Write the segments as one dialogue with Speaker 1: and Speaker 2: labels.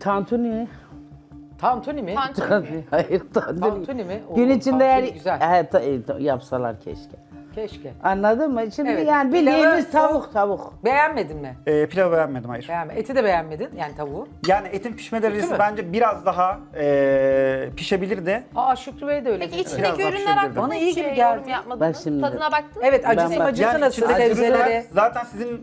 Speaker 1: Tantuni.
Speaker 2: Tantuni mi?
Speaker 1: Hayır tantuni.
Speaker 2: Tantuni mi? Oo,
Speaker 1: Gün içinde
Speaker 2: tantuni
Speaker 1: eğer
Speaker 2: güzel.
Speaker 1: yapsalar keşke.
Speaker 2: Keşke.
Speaker 1: Anladın mı? Şimdi
Speaker 2: Evet,
Speaker 1: yani
Speaker 2: pilavı
Speaker 1: bildiğimiz
Speaker 2: soğuk-
Speaker 1: tavuk.
Speaker 2: Beğenmedin mi?
Speaker 3: Pilavı beğenmedim, hayır.
Speaker 2: Beğenme. Eti de beğenmedin yani tavuğu.
Speaker 3: Yani etin pişme
Speaker 2: mü?
Speaker 3: derecesi bence biraz daha pişebilirdi.
Speaker 2: Aa Şükrü Bey de öyle
Speaker 4: Peki
Speaker 2: dedi.
Speaker 4: içindeki
Speaker 3: Biraz daha
Speaker 4: ürünler
Speaker 3: pişirebilirdim.
Speaker 4: hakkında
Speaker 2: Bana iyi
Speaker 4: hiç
Speaker 2: gibi
Speaker 4: yorum
Speaker 2: geldi.
Speaker 4: yapmadınız.
Speaker 1: Bak şimdi.
Speaker 4: Tadına baktın mı?
Speaker 2: Evet acısı
Speaker 1: Ben-
Speaker 2: macısı
Speaker 3: Yani
Speaker 2: nasıl
Speaker 3: içinde
Speaker 2: sebzeleri.
Speaker 3: zaten sizin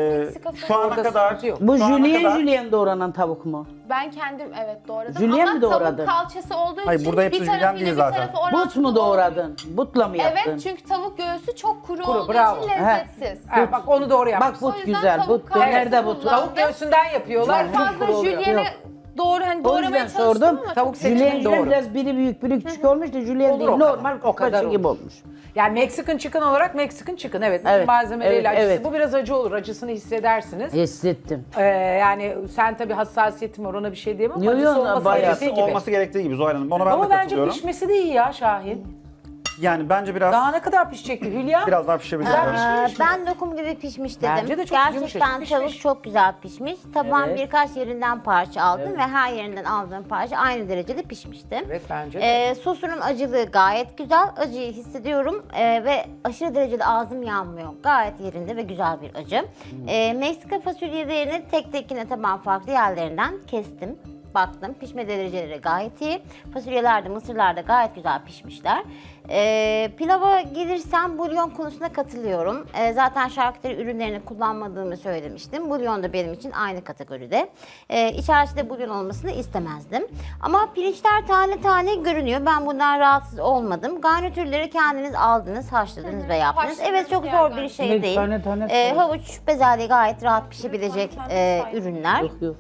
Speaker 3: şu ana
Speaker 2: Orada
Speaker 3: kadar...
Speaker 2: sıkıntı yok.
Speaker 1: Bu
Speaker 3: şu ana
Speaker 1: jülyen
Speaker 3: kadar-
Speaker 1: jülyen doğranan tavuk mu?
Speaker 4: Ben kendim evet doğradım
Speaker 1: Jülyen
Speaker 4: ama
Speaker 1: mi doğradın?
Speaker 4: tavuk kalçası olduğu
Speaker 3: Hayır,
Speaker 4: için
Speaker 3: burada hepsi
Speaker 4: bir
Speaker 3: jülyen
Speaker 4: tarafıyla
Speaker 3: değil
Speaker 4: bir
Speaker 3: zaten.
Speaker 4: tarafı orantılı
Speaker 1: But mu
Speaker 4: olmuyor.
Speaker 1: doğradın? Butla mı yaptın?
Speaker 4: Evet çünkü tavuk göğsü çok kuru,
Speaker 2: Kuru,
Speaker 4: olduğu
Speaker 2: bravo.
Speaker 4: için lezzetsiz.
Speaker 2: Evet, bak onu doğru yapmış.
Speaker 1: Bak
Speaker 4: O
Speaker 1: but
Speaker 4: yüzden
Speaker 1: güzel.
Speaker 4: tavuk
Speaker 1: But
Speaker 4: kalçası
Speaker 1: dönerde but.
Speaker 4: kullan.
Speaker 2: Tavuk göğsünden yapıyorlar.
Speaker 4: Çok
Speaker 2: Çok kuru
Speaker 4: fazla
Speaker 2: oluyor.
Speaker 4: jülyene
Speaker 1: Yok.
Speaker 4: doğru hani
Speaker 1: O
Speaker 4: doğramaya
Speaker 1: yüzden
Speaker 4: çalıştım
Speaker 1: sordum.
Speaker 4: ama
Speaker 2: Tavuk
Speaker 4: çok
Speaker 2: seçimi
Speaker 1: Jülyen
Speaker 2: doğru.
Speaker 1: biraz biri büyük biri küçük olmuş da jülyen
Speaker 2: Olur
Speaker 1: değil.
Speaker 2: o kadar.
Speaker 1: Normal
Speaker 2: O kadar
Speaker 1: kaşı
Speaker 2: olur.
Speaker 1: gibi olmuş.
Speaker 2: Yani Mexican chicken olarak Mexican chicken evet. Bütün
Speaker 1: Evet,
Speaker 2: malzemeleriyle
Speaker 1: evet,
Speaker 2: acısı.
Speaker 1: evet.
Speaker 2: Bu biraz acı olur. Acısını hissedersiniz.
Speaker 1: Hissettim.
Speaker 2: Yani sen tabii hassasiyetin var ona bir şey diyemem ama
Speaker 1: Yo, yo,
Speaker 2: acısı olması
Speaker 1: bayağı.
Speaker 2: gerektiği gibi.
Speaker 3: Olması gerektiği gibi Zuhal Hanım. Ona ben
Speaker 2: Ama
Speaker 3: de
Speaker 2: bence
Speaker 3: katılıyorum.
Speaker 2: pişmesi de iyi ya Şahin.
Speaker 3: Yani bence biraz
Speaker 2: Daha ne kadar pişecekti Hülya?
Speaker 3: biraz daha pişebilir.
Speaker 2: Güzel
Speaker 3: Evet.
Speaker 2: pişmemiş mi?
Speaker 5: Ben lokum gibi pişmiş dedim.
Speaker 2: Bence de çok
Speaker 5: Gerçekten
Speaker 2: yumuşacık
Speaker 5: tavuk
Speaker 2: pişmiş.
Speaker 5: çok güzel pişmiş. Tabağın
Speaker 1: Evet.
Speaker 5: birkaç yerinden parça aldım ve her yerinden aldığım parça aynı derecede pişmişti.
Speaker 2: Evet bence de.
Speaker 5: Sosunun acılığı gayet güzel. Acıyı hissediyorum ve aşırı derecede ağzım yanmıyor. Gayet yerinde ve güzel bir acı. Meksika fasulyelerini tek tek yine tabağın farklı yerlerinden kestim. Baktım pişme dereceleri gayet iyi. Fasulyeler de mısırlar da gayet güzel pişmişler. Pilava gelirsem bulyon konusuna katılıyorum. Zaten şarküteri ürünlerini kullanmadığımı söylemiştim. Bulyon da benim için aynı kategoride. İçerisinde bulyon olmasını istemezdim. Ama pirinçler tane tane görünüyor. Ben bundan rahatsız olmadım. Garnitürleri kendiniz aldınız, haşladınız ve yaptınız.
Speaker 4: Haşladınız
Speaker 5: Evet çok
Speaker 4: yani
Speaker 5: zor bir şey
Speaker 1: Evet,
Speaker 5: değil.
Speaker 1: tane tane soğuk.
Speaker 5: Havuç, bezelye gayet rahat pişebilecek ürünler.
Speaker 1: Yok yok.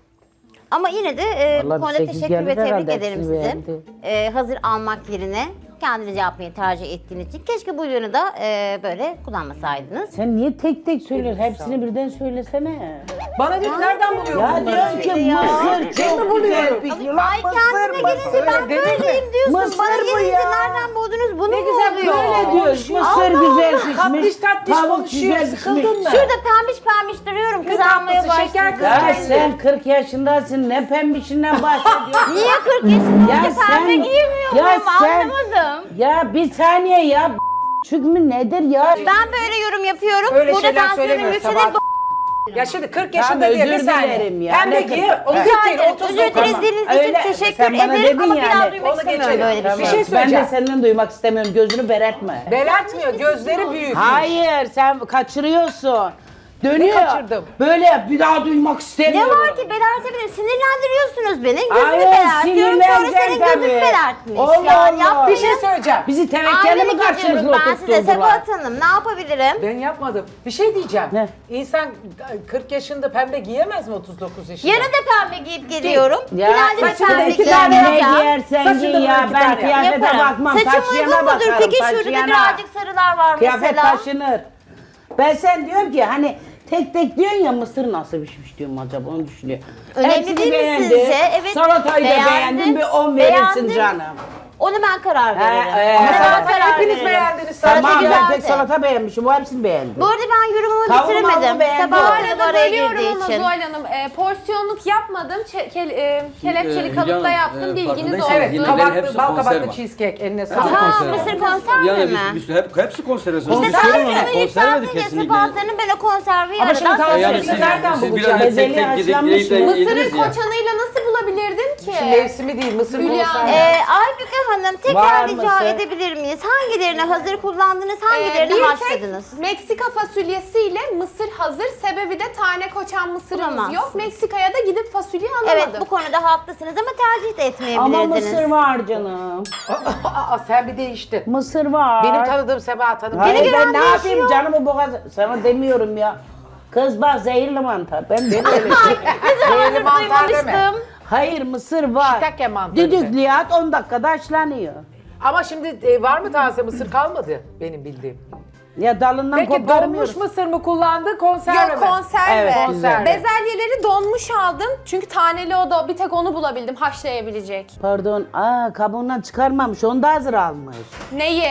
Speaker 5: Ama yine de bu
Speaker 1: Vallahi
Speaker 5: konuda
Speaker 1: bir sekiz
Speaker 5: teşekkür ve
Speaker 1: geldi
Speaker 5: tebrik
Speaker 1: herhalde,
Speaker 5: ederim
Speaker 1: hepsini
Speaker 5: sizi. Hazır almak yerine kendiniz yapmayı tercih ettiğiniz için. Keşke bulyonu da böyle kullanmasaydınız.
Speaker 1: Sen niye tek tek söylüyorsun? Hepsini birden söylesene.
Speaker 2: Bana diyor ki nereden buluyorsun
Speaker 1: Ya
Speaker 2: bunları?
Speaker 1: diyorum ki mısır çok güzel pişiyor. Lan
Speaker 5: Ay kendine gelince ben
Speaker 2: Değil mi?
Speaker 5: böyleyim diyorsun.
Speaker 1: Mısır
Speaker 5: Bana
Speaker 1: bu
Speaker 5: gelince
Speaker 1: ya.
Speaker 5: nereden buldunuz bunu
Speaker 2: Ne
Speaker 5: mu
Speaker 2: güzel
Speaker 5: oluyor?
Speaker 1: Böyle diyoruz. Mısır güzel pişmiş.
Speaker 2: Tatlış tatlış
Speaker 1: Tavuk
Speaker 2: konuşuyor.
Speaker 1: güzel
Speaker 2: Sıkıldın
Speaker 1: pişmiş.
Speaker 2: mı?
Speaker 5: Şurada pembiş pembiş duruyorum kızarmaya
Speaker 2: tatlısı, şeker
Speaker 5: başladı.
Speaker 1: Ya
Speaker 2: Kendi.
Speaker 1: sen 40 yaşındasın. Ne pembişinden bahsediyorsun?
Speaker 5: Niye 40 yaşında
Speaker 1: Ya
Speaker 5: önce pembe
Speaker 1: sen-
Speaker 5: giymiyor
Speaker 1: ya
Speaker 5: muyum
Speaker 1: sen-
Speaker 5: anlamadım.
Speaker 1: Ya bir saniye ya. Çünkü nedir ya?
Speaker 5: Ben böyle yorum yapıyorum.
Speaker 2: Öyle
Speaker 5: Burada
Speaker 2: şeyler
Speaker 5: tansiyonum
Speaker 2: söylemiyor
Speaker 5: yükselir.
Speaker 2: Sabah. Ya şimdi 40 yaşında
Speaker 1: özür
Speaker 2: diye bir saniye.
Speaker 1: dilerim ya.
Speaker 2: Pembe
Speaker 1: Ne
Speaker 2: giy,
Speaker 1: kırk-
Speaker 2: onu
Speaker 1: Ha.
Speaker 2: değil,
Speaker 5: Özür
Speaker 2: 39
Speaker 5: dilediğiniz için
Speaker 1: Öyle,
Speaker 5: teşekkür
Speaker 1: sen bana
Speaker 5: ederim
Speaker 1: dedin
Speaker 5: ama bir daha
Speaker 1: yani.
Speaker 5: duymak
Speaker 2: Onu
Speaker 5: istemiyorum
Speaker 2: geçelim.
Speaker 5: böyle bir
Speaker 2: Bir
Speaker 5: şey.
Speaker 2: şey
Speaker 1: Ben
Speaker 2: söyleyeceğim.
Speaker 1: de senden duymak istemiyorum. Gözünü beretme.
Speaker 2: Belertmiyor, gözleri büyük.
Speaker 1: Hayır sen kaçırıyorsun. Dönüyor.
Speaker 2: kaçırdım?
Speaker 1: Böyle bir daha duymak
Speaker 5: Ne
Speaker 1: istemiyorum.
Speaker 5: var ki belertebilirim. Sinirlendiriyorsunuz beni. Gözümü
Speaker 1: Hayır,
Speaker 5: belertiyorum. Sonra senin
Speaker 1: sinirleneceksin
Speaker 5: gözün
Speaker 1: tabii.
Speaker 5: belertmiş.
Speaker 1: Allah
Speaker 5: Yani
Speaker 1: Allah.
Speaker 2: Bir şey söyleyeceğim.
Speaker 1: Bizi tevekkeli mi
Speaker 5: Ailelik
Speaker 1: karşımızda
Speaker 5: ediyorum ben size
Speaker 1: oturtturdular?
Speaker 5: Sebahat Hanım. Ne yapabilirim?
Speaker 2: Ben yapmadım. Bir şey diyeceğim.
Speaker 1: Ne?
Speaker 2: İnsan 40 yaşında pembe giyemez mi 39 yaşında?
Speaker 5: Yarın da pembe giyip geliyorum.
Speaker 1: Ya
Speaker 5: Finalde de
Speaker 2: saçını da
Speaker 5: pembe
Speaker 2: iki tane
Speaker 1: Ne
Speaker 5: giyeceğim.
Speaker 1: giyersen
Speaker 2: Saçını da
Speaker 1: giy ya.
Speaker 2: iki
Speaker 1: Ben
Speaker 2: tane
Speaker 1: kıyafete
Speaker 5: Yaparım.
Speaker 1: bakmam.
Speaker 5: Saçım uygun
Speaker 1: Taşıyana
Speaker 5: mudur?
Speaker 1: bakarım.
Speaker 5: Peki şurada
Speaker 1: taşıyana.
Speaker 5: birazcık sarılar var
Speaker 1: Kıyafet
Speaker 5: mesela.
Speaker 1: taşınır. Ben sen diyorum ki hani tek tek diyorsun ya mısır nasıl pişmiş diyorum acaba onu düşünüyor.
Speaker 5: Önemli
Speaker 1: Hepsini
Speaker 5: değil mi
Speaker 1: beğendim.
Speaker 5: sizce? Evet,
Speaker 1: Salatayı da
Speaker 5: beğendim.
Speaker 1: beğendim. Bir 10 verirsin
Speaker 5: Beğendim.
Speaker 1: canım.
Speaker 5: Onu ben karar veririm.
Speaker 1: Ama
Speaker 5: Ona
Speaker 2: salata
Speaker 5: ben karar
Speaker 2: hepiniz
Speaker 5: veririm.
Speaker 2: beğendiniz.
Speaker 5: Salata
Speaker 1: Tamam ben
Speaker 5: güzeldi.
Speaker 1: tek salata beğenmişim. Bu hepsini beğendim.
Speaker 5: Bu arada ben yorumumu
Speaker 1: Tavuğu
Speaker 5: bitiremedim.
Speaker 1: beğendim.
Speaker 5: Sebahat
Speaker 4: Bu
Speaker 5: Hanım
Speaker 4: arada
Speaker 5: araya
Speaker 4: bölüyorum
Speaker 5: girdiği
Speaker 4: ama
Speaker 5: için.
Speaker 4: Zuhal Hanım porsiyonluk yapmadım. Kelepçeli
Speaker 6: Hülya
Speaker 4: kalıpta
Speaker 6: Hanım,
Speaker 4: yaptım bilginiz
Speaker 6: farkındaysanız
Speaker 4: olsun.
Speaker 2: Evet,
Speaker 6: yine
Speaker 2: kabaklı,
Speaker 6: hepsi
Speaker 2: bal
Speaker 6: konserve.
Speaker 2: kabaklı cheesecake eline
Speaker 6: Hepsi
Speaker 2: sağlık.
Speaker 5: Ha,
Speaker 6: konserve.
Speaker 5: mısır konserve
Speaker 6: Yani
Speaker 5: mi?
Speaker 6: hepsi konserve.
Speaker 5: İşte
Speaker 1: Konserve
Speaker 5: tansiyonu
Speaker 6: Konserve
Speaker 5: yükseltince
Speaker 6: kesinlikle.
Speaker 5: Sebahat Hanım ben o konserveyi
Speaker 2: Ama şimdi
Speaker 5: aradan
Speaker 2: tansiyonu
Speaker 6: Yani
Speaker 2: Siz
Speaker 6: siz,
Speaker 2: nereden
Speaker 6: siz
Speaker 2: bulacağız?
Speaker 6: biraz hep tek
Speaker 1: Bezelye
Speaker 6: tek gidip
Speaker 1: haşlanmış
Speaker 6: yiyip de
Speaker 1: mı?
Speaker 6: yediniz
Speaker 4: Mısırın
Speaker 6: ya.
Speaker 4: koçanıyla nasıl bulabilirdim ki?
Speaker 2: Mevsimi değil, mısır
Speaker 4: Hülya,
Speaker 2: konserve.
Speaker 5: Aybüke Hanım tekrar
Speaker 1: Var
Speaker 5: rica
Speaker 1: mısır?
Speaker 5: edebilir miyiz? Hangilerini hazır kullandınız, hangilerini
Speaker 4: Bir
Speaker 5: haşladınız?
Speaker 4: tek Meksika fasulyesiyle mısır hazır. Sebebi de tane koçan mısırımız
Speaker 5: Bulamazsınız.
Speaker 4: yok. Meksika'ya da gidip fasulye alamadım.
Speaker 5: Evet bu konuda haklısınız ama tercih de
Speaker 1: Ama
Speaker 5: etmeyebilirdiniz.
Speaker 1: mısır var canım.
Speaker 2: Aa, sen bir değiştin.
Speaker 1: Mısır var.
Speaker 2: Benim tanıdığım Sebahat Hanım.
Speaker 1: Hayır
Speaker 5: Beni
Speaker 1: ben
Speaker 5: gören
Speaker 1: ne yapayım
Speaker 5: değişiyor.
Speaker 1: canımı boğaz... Sana demiyorum ya. Kız bak zehirli mantar. Ben de öyle
Speaker 2: Zehirli mantar deme.
Speaker 5: Duymamıştım.
Speaker 1: Hayır mısır var.
Speaker 2: Shiitake mantarı.
Speaker 1: Düdüklüye at 10 dakikada haşlanıyor.
Speaker 2: Ama şimdi var mı taze mısır kalmadı benim bildiğim.
Speaker 1: Ya dalından
Speaker 2: Peki donmuş
Speaker 1: koparmıyoruz.
Speaker 2: mısır mı kullandı konserve
Speaker 4: Yok
Speaker 2: mi?
Speaker 4: konserve.
Speaker 1: Evet, güzel.
Speaker 4: Bezelyeleri donmuş aldım. Çünkü taneli o da bir tek onu bulabildim haşlayabilecek.
Speaker 1: Pardon, kabuğundan çıkarmamış, onu da hazır almış.
Speaker 4: Neyi?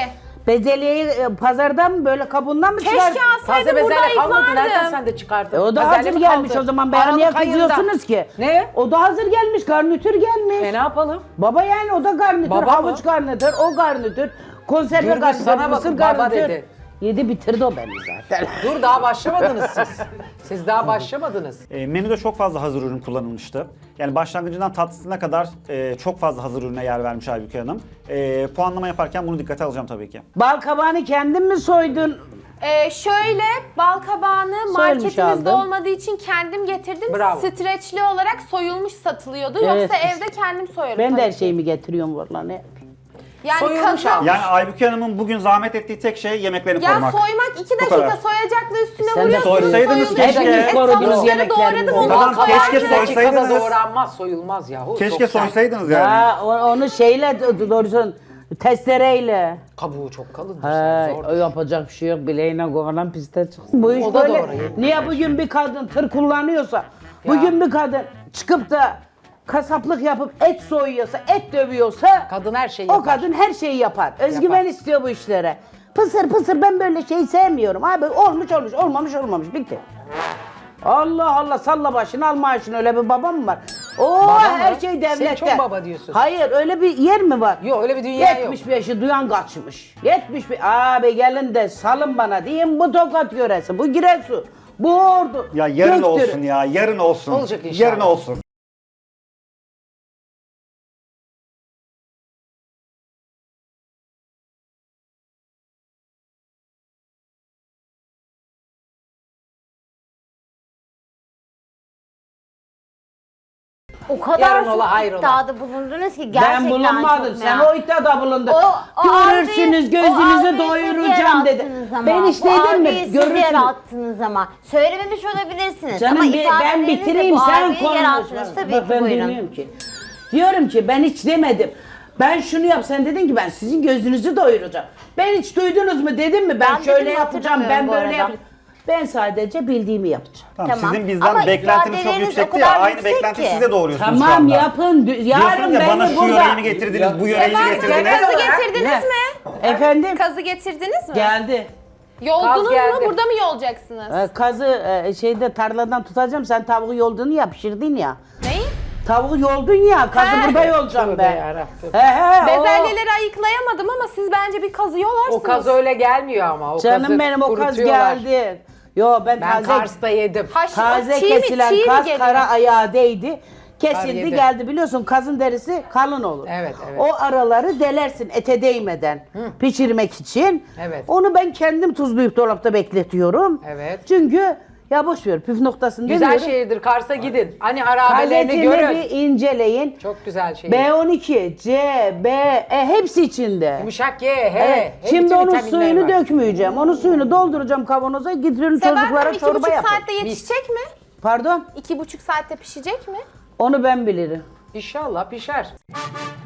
Speaker 1: Bezelyeyi pazardan mı böyle kabuğundan mı
Speaker 4: Keşke
Speaker 1: çıkardın?
Speaker 2: Taze
Speaker 4: alsaydım burada
Speaker 2: bezelye kalmadı. Nereden
Speaker 4: ayıklardım.
Speaker 2: sen de çıkardın?
Speaker 1: O da
Speaker 2: Bezelye
Speaker 1: hazır
Speaker 2: mi
Speaker 1: gelmiş
Speaker 2: kaldı?
Speaker 1: o zaman. Bana niye
Speaker 2: Aralık ayında.
Speaker 1: kızıyorsunuz ki?
Speaker 2: Ne?
Speaker 1: O da hazır gelmiş, garnitür gelmiş.
Speaker 2: Ne yapalım?
Speaker 1: Baba yani o da garnitür,
Speaker 2: Baba mı?
Speaker 1: havuç garnitür, o garnitür, konserve
Speaker 2: Gürbüz
Speaker 1: garnitür,
Speaker 2: sana
Speaker 1: mısır
Speaker 2: bakın, baba
Speaker 1: garnitür.
Speaker 2: dedi.
Speaker 1: Yedi bitirdi o beni zaten.
Speaker 2: Dur daha başlamadınız siz. Siz daha başlamadınız.
Speaker 3: Menüde çok fazla hazır ürün kullanılmıştı. Yani başlangıcından tatlısına kadar çok fazla hazır ürüne yer vermiş Aybüke Hanım. Puanlama yaparken bunu dikkate alacağım tabii ki.
Speaker 1: Bal kabağını kendin mi soydun?
Speaker 4: Şöyle bal kabağını
Speaker 1: Soyulmuş
Speaker 4: marketimizde
Speaker 1: aldım.
Speaker 4: olmadığı için kendim getirdim.
Speaker 2: Bravo.
Speaker 4: Streçli olarak soyulmuş satılıyordu.
Speaker 1: Evet.
Speaker 4: Yoksa evde kendim soyarım.
Speaker 1: Ben de her
Speaker 4: tabii ki.
Speaker 1: şeyimi getiriyorum vallahi ne?
Speaker 4: Yani
Speaker 2: Soyulmuş
Speaker 4: kazan.
Speaker 2: aldım.
Speaker 3: Yani Aybüke Hanım'ın bugün zahmet ettiği tek şey yemeklerini
Speaker 4: Ya
Speaker 3: korumak.
Speaker 4: soymak 2
Speaker 3: Bu kadar.
Speaker 4: dakika soyacaklı üstüne
Speaker 1: Sen de
Speaker 4: vuruyorsunuz.
Speaker 3: soysaydınız
Speaker 4: soyuluyor.
Speaker 3: keşke.
Speaker 4: Hepiniz
Speaker 1: Korudunuz
Speaker 4: tavukları
Speaker 1: yemeklerinizi.
Speaker 4: doğradım
Speaker 3: Tamam,
Speaker 4: ondan
Speaker 3: keşke
Speaker 4: soyarken.
Speaker 2: 2 dakikada
Speaker 3: soysaydınız.
Speaker 2: doğranmaz, soyulmaz yahu.
Speaker 3: Keşke
Speaker 2: Çok sert.
Speaker 3: soysaydınız yani.
Speaker 1: Ya onu şeyle doğrusu testereyle.
Speaker 2: Kabuğu çok kalın.
Speaker 1: Ha,
Speaker 2: Zor.
Speaker 1: o yapacak bir şey yok. Bileğine kovalan piste çıksın. Bu iş
Speaker 2: O da
Speaker 1: böyle.
Speaker 2: doğru, yetmiyor.
Speaker 1: Niye bugün bir kadın tır kullanıyorsa, bugün bir kadın çıkıp da kasaplık yapıp et soyuyorsa, et dövüyorsa
Speaker 2: Kadın her şeyi
Speaker 1: o
Speaker 2: yapar.
Speaker 1: kadın her şeyi yapar. Özgüven
Speaker 2: Yapar.
Speaker 1: istiyor bu işlere. Pısır pısır ben böyle şey sevmiyorum. Abi olmuş olmuş, olmamış olmamış. Bitti. Allah Allah salla başını al maaşını öyle bir babam mı var? Oo
Speaker 2: Baba
Speaker 1: her
Speaker 2: mı?
Speaker 1: şey devlette.
Speaker 2: Sen çok baba diyorsun.
Speaker 1: Hayır öyle bir yer mi var?
Speaker 2: Yok öyle bir dünya yok.
Speaker 1: 75'i duyan kaçmış. 75 abi gelin de salın bana diyeyim bu Tokat yöresi, bu Giresun, bu Ordu.
Speaker 3: Ya yarın
Speaker 1: Göktürk.
Speaker 3: olsun ya, yarın olsun.
Speaker 2: Olacak inşallah.
Speaker 3: Yarın olsun.
Speaker 5: O kadar
Speaker 2: Yarın
Speaker 5: çok
Speaker 2: ola, hayır ola.
Speaker 5: iddiada bulundunuz ki gerçekten
Speaker 1: Ben bulunmadım.
Speaker 5: çok
Speaker 1: Sen
Speaker 5: merak-
Speaker 1: o iddiada bulundun.
Speaker 5: O
Speaker 1: Görürsünüz,
Speaker 5: algıyı- o
Speaker 1: gözünüzü
Speaker 5: algıyı
Speaker 1: doyuracağım
Speaker 5: siz
Speaker 1: dedi.
Speaker 5: yarattınız ama.
Speaker 1: Ben hiç
Speaker 5: Bu
Speaker 1: dedim
Speaker 5: algıyı
Speaker 1: mi?
Speaker 5: siz
Speaker 1: Görürsünüz.
Speaker 5: yarattınız ama. Söylememiş olabilirsiniz.
Speaker 1: Canım
Speaker 5: ama
Speaker 1: ben
Speaker 5: ifadelerinizle
Speaker 1: bitireyim
Speaker 5: bu
Speaker 1: sen
Speaker 5: algıyı
Speaker 1: konuş.
Speaker 5: yarattınız. Tabii
Speaker 1: Bak
Speaker 5: ki
Speaker 1: ben
Speaker 5: buyurun.
Speaker 1: dinliyorum ki. Diyorum ki ben hiç demedim. Ben şunu yap sen dedin ki ben sizin gözünüzü doyuracağım. Ben hiç duydunuz mu dedim mi? Ben
Speaker 5: Ben
Speaker 1: şöyle
Speaker 5: dedim,
Speaker 1: yapacağım, ben
Speaker 5: hatırlamıyorum bu
Speaker 1: böyle
Speaker 5: arada.
Speaker 1: yapacağım. Ben sadece bildiğimi yapacağım.
Speaker 3: Tamam,
Speaker 5: Tamam.
Speaker 3: sizin bizden
Speaker 5: Ama
Speaker 3: beklentiniz çok
Speaker 5: ifadeleriniz
Speaker 3: yüksekti
Speaker 5: o
Speaker 3: ya.
Speaker 5: kadar
Speaker 3: Aynı
Speaker 5: yüksek
Speaker 3: beklenti
Speaker 5: ki.
Speaker 3: size doğuruyorsunuz şu
Speaker 1: Tamam
Speaker 3: anda.
Speaker 1: yapın.
Speaker 3: Diyorsunuz
Speaker 1: Yarın
Speaker 3: ya
Speaker 1: beni
Speaker 3: bana şu
Speaker 1: burada...
Speaker 3: yöreyi mi getirdiniz, bu yöreyi mi
Speaker 4: Sefer
Speaker 3: getirdiniz?
Speaker 4: kazı
Speaker 2: olarak-
Speaker 4: getirdiniz
Speaker 1: Ne?
Speaker 4: mi?
Speaker 1: Efendim?
Speaker 4: Kazı getirdiniz mi?
Speaker 1: Geldi.
Speaker 4: Yoldunuz
Speaker 2: Kaz
Speaker 4: mu?
Speaker 2: geldi.
Speaker 4: Burada mı yolacaksınız?
Speaker 1: Kazı şeyde tarladan tutacağım. Sen tavuğu yoldun ya, pişirdin ya.
Speaker 4: Neyi?
Speaker 1: Tavuğu yoldun ya, kazı
Speaker 4: He.
Speaker 1: burada yolacağım
Speaker 2: Tövbe
Speaker 1: ben.
Speaker 2: yarabbim.
Speaker 1: He o.
Speaker 4: Bezelyeleri ayıklayamadım ama siz bence bir kazı yolarsınız.
Speaker 2: O kaz öyle gelmiyor ama. O
Speaker 1: Canım
Speaker 2: kazı
Speaker 1: benim o kaz
Speaker 2: kurutuyorlar.
Speaker 1: geldi. Yo ben
Speaker 2: Ben
Speaker 1: taze
Speaker 2: Kars'ta yedim.
Speaker 1: taze
Speaker 4: çiğ mi-
Speaker 1: kesilen
Speaker 4: çiğ mi
Speaker 1: kaz
Speaker 4: geliyor?
Speaker 1: kara ayağı değdi.
Speaker 2: Kar
Speaker 1: Kesildi
Speaker 2: yedi.
Speaker 1: geldi biliyorsun kazın derisi kalın olur.
Speaker 2: Evet, evet.
Speaker 1: O araları delersin ete değmeden pişirmek için.
Speaker 2: Evet.
Speaker 1: Onu ben kendim tuzlayıp dolapta bekletiyorum.
Speaker 2: Evet.
Speaker 1: Çünkü ya boş ver püf noktasını
Speaker 2: Güzel
Speaker 1: demiyorum.
Speaker 2: şehirdir. Kars'a gidin. Hani harabelerini
Speaker 1: Kaletini
Speaker 2: görün.
Speaker 1: bir inceleyin.
Speaker 2: Çok güzel şehir.
Speaker 1: B12, C, B, E hepsi içinde.
Speaker 2: Yumuşak ye, he.
Speaker 1: Evet.
Speaker 2: he,
Speaker 1: Şimdi
Speaker 2: bütün
Speaker 1: onun
Speaker 2: vitaminler
Speaker 1: suyunu
Speaker 2: var.
Speaker 1: dökmeyeceğim. Onun suyunu dolduracağım kavanoza. Gidiyorum
Speaker 4: Sebahat
Speaker 1: çocuklara
Speaker 4: Hanım
Speaker 1: çorba
Speaker 4: 2,5
Speaker 1: yapın.
Speaker 4: saatte yetişecek mi?
Speaker 1: Pardon?
Speaker 4: 2,5 saatte pişecek mi?
Speaker 1: Onu ben bilirim.
Speaker 2: İnşallah pişer.